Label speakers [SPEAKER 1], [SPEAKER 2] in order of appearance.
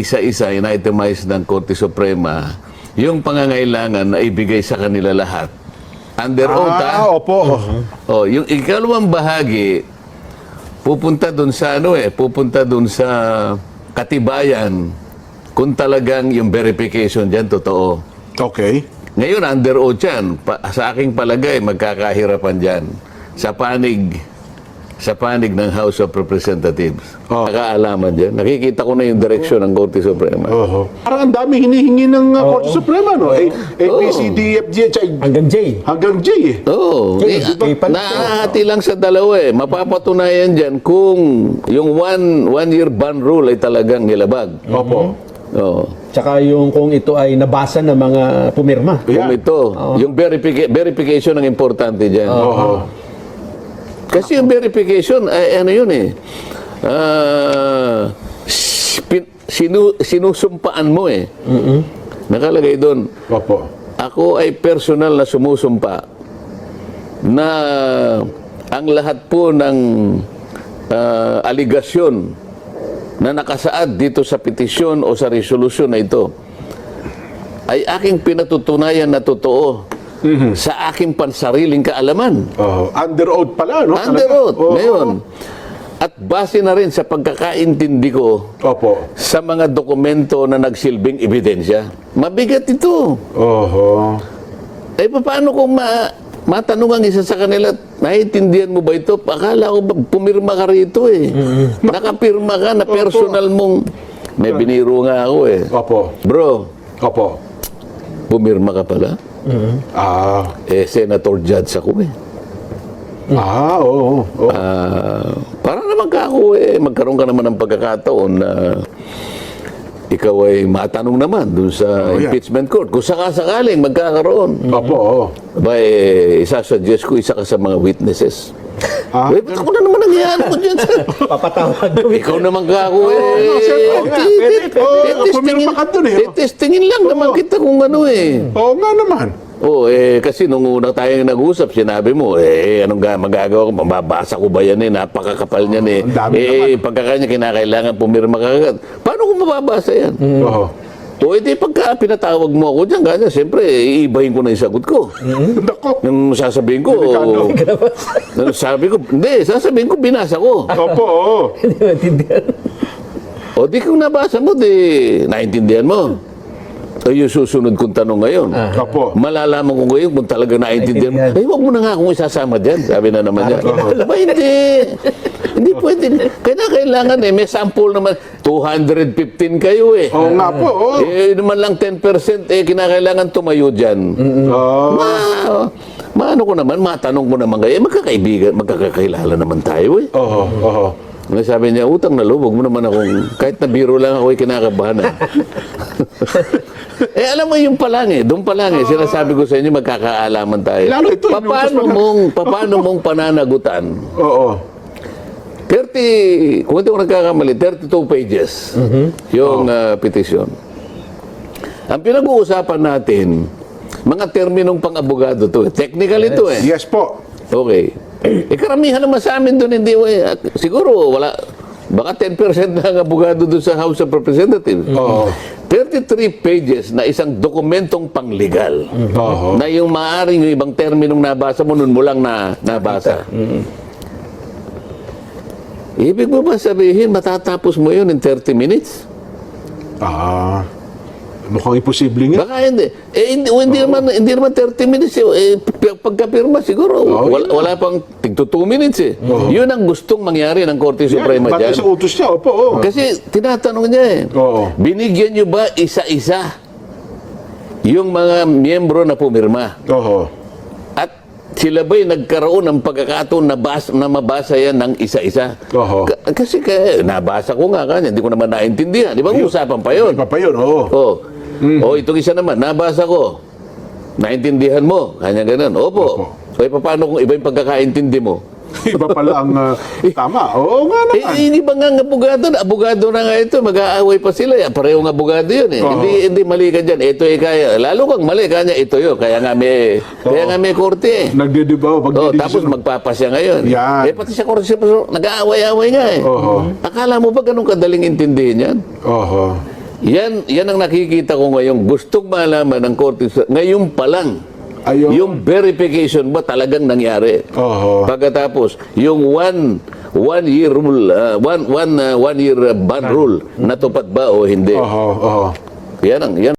[SPEAKER 1] isa-isa, in-itemize ng Korte Suprema, yung pangangailangan na ibigay sa kanila lahat. Under oath,
[SPEAKER 2] Opo.
[SPEAKER 1] Oh, yung ikalawang bahagi, pupunta dun sa pupunta dun sa katibayan kung talagang yung verification dyan totoo.
[SPEAKER 2] Okay.
[SPEAKER 1] Ngayon, under oath yan. Sa aking palagay, magkakahirapan dyan sa panig ng House of Representatives. Nakaalaman dyan. Nakikita ko na yung direksyon ng Korte Suprema.
[SPEAKER 2] Parang ang dami hinihingi ng Korte Suprema, no? A, B, C, D, F, G, H, I.
[SPEAKER 3] Hanggang J.
[SPEAKER 2] Hanggang J, eh.
[SPEAKER 1] Oo.
[SPEAKER 3] Diba?
[SPEAKER 1] Nakahati lang sa dalawa eh. Mapapatunayan dyan kung yung one-year ban rule ay talagang nilabag.
[SPEAKER 2] Opo.
[SPEAKER 1] Oo.
[SPEAKER 3] Tsaka yung kung ito ay nabasa ng mga pumirma.
[SPEAKER 1] Kung ito, yung verification ang importante dyan. Kasi yung verification, ay ano yun eh. Sinusumpaan mo eh. Nakalagay doon,
[SPEAKER 2] Opo.
[SPEAKER 1] ako ay personal na sumusumpa na ang lahat po ng aligasyon na nakasaad dito sa petisyon o sa resolusyon na ito ay aking pinatutunayan na totoo sa aking pansariling kaalaman.
[SPEAKER 2] Under oath pala, no?
[SPEAKER 1] Under oath. Ngayon, at base na rin sa pagkakaintindi ko
[SPEAKER 2] Opo.
[SPEAKER 1] sa mga dokumento na nagsilbing ebidensya. Mabigat ito. Eh, paano kung matanong ang isa sa kanila, naiintindihan mo ba ito? Akala ko ba, pumirma ka rito eh. Nakapirma ka na personal mong, may biniro nga ako eh.
[SPEAKER 2] Opo.
[SPEAKER 1] Bro,
[SPEAKER 2] Opo.
[SPEAKER 1] pumirma ka pala? Eh, senator judge ako eh.
[SPEAKER 2] Oo.
[SPEAKER 1] Para naman ka ako eh, magkaroon ka naman ng pagkakataon na ikaw ay matanong naman dun sa impeachment court. Kung sakasakaling magkakaroon.
[SPEAKER 2] Opo.
[SPEAKER 1] Ba eh, isasuggest ko isa ka sa mga witnesses. Eh, ba't ako na naman nangyayaan ko dyan?
[SPEAKER 3] Papatawag mo.
[SPEAKER 1] Ikaw naman ka ako eh.
[SPEAKER 2] Pumirma ka dun eh.
[SPEAKER 1] Testingin lang naman kita kung ano eh.
[SPEAKER 2] Oo nga naman.
[SPEAKER 1] Kasi nung una tayong nag-usap, sinabi mo, anong magagawa ko? Mababasa ko ba yan eh? Napakakapal niyan eh.
[SPEAKER 2] Ang dami naman.
[SPEAKER 1] Pagkakanya kinakailangan pumirma ka agad. Paano ko mababasa yan? Edi pagka pinatawag mo ako dyan, ganyan, siyempre, iibahin ko na yung sagot ko.
[SPEAKER 2] Nako.
[SPEAKER 1] Yung sasabihin ko, sasabihin ko, binasa ko.
[SPEAKER 2] Opo.
[SPEAKER 3] Hindi maintindihan.
[SPEAKER 1] O di kung nabasa mo, di naintindihan mo. O yung susunod kong tanong ngayon.
[SPEAKER 2] Opo.
[SPEAKER 1] Malalaman ko ngayon kung talaga naintindihan mo. Eh, huwag mo na nga akong isasama dyan. Sabi na naman niya. Ba, hindi. Hindi pwede. Kailangan eh. May sample naman. 215 kayo eh.
[SPEAKER 2] Oo nga po.
[SPEAKER 1] Eh, naman lang 10% eh. Kinakailangan tumayo dyan. Maano ko naman, matanong ko naman kayo. Eh, magkakaibigan, magkakakilala naman tayo eh. Sabi niya, utang na loob, huwag mo naman akong, kahit na biro lang ako, kinakabahan. Alam mo yung palang eh, doon pa lang eh, sinasabi ko sa inyo, magkakaalaman tayo.
[SPEAKER 2] Lalo ito,
[SPEAKER 1] Paano mong pananagutan?
[SPEAKER 2] 30,
[SPEAKER 1] kung hindi ko nagkakamali, 32 pages yung petisyon. Ang pinag-uusapan natin, mga terminong pang-abogado to. Technical ito eh.
[SPEAKER 2] Yes po.
[SPEAKER 1] Okay. Karamihan naman sa amin doon, hindi, siguro wala, baka 10% na ang abogado doon sa House of Representatives. 33 pages na isang dokumentong panglegal na yung maaaring yung ibang terminong nabasa mo, nun mo lang nabasa. Ibig mo ba sabihin, matatapos mo yun in 30 minutes?
[SPEAKER 2] Mukhang imposible nga.
[SPEAKER 1] Baka hindi. Hindi naman 30 minutes. Pagkapirma siguro, wala pang tigto 2 minutes eh. Yun ang gustong mangyari ng Korte Suprema dyan.
[SPEAKER 2] Bakit sa utos niya? Opo.
[SPEAKER 1] Kasi tinatanong niya eh. Binigyan niyo ba isa-isa yung mga miyembro na pumirma? At sila ba'y nagkaroon ng pagkakataon na mabasa yan ng isa-isa? Kasi nabasa ko nga kanya, hindi ko naman naintindihan. Di ba usapan pa yun? Itong isa naman, nabasa ko. Naintindihan mo? Kanya ganun. Opo. So, paano kung iba yung pagkakaintindi mo?
[SPEAKER 2] Iba pala ang tama. Oo nga naman.
[SPEAKER 1] Hindi ba nga abogado na nga ito, mag-aaway pa sila. Parehong abogado yun eh. Hindi mali ka dyan. Ito eh kaya. Lalo kang mali, kanya ito yun. Kaya nga may korte eh.
[SPEAKER 2] Nagdidibaw.
[SPEAKER 1] Tapos magpapasya ngayon.
[SPEAKER 2] Yan.
[SPEAKER 1] Pati sa korte, nag-aaway-aaway nga eh. Akala mo ba ganun kadaling intindihin yan? Yan ang nakikita ko ngayon. Gustong malaman ng Korte ngayon pa lang.
[SPEAKER 2] Ayun.
[SPEAKER 1] Yung verification ba talagang nangyari?
[SPEAKER 2] Oho.
[SPEAKER 1] Pagkatapos, yung one year rule, one year ban rule, natupad ba o hindi?
[SPEAKER 2] Oho.
[SPEAKER 1] Yan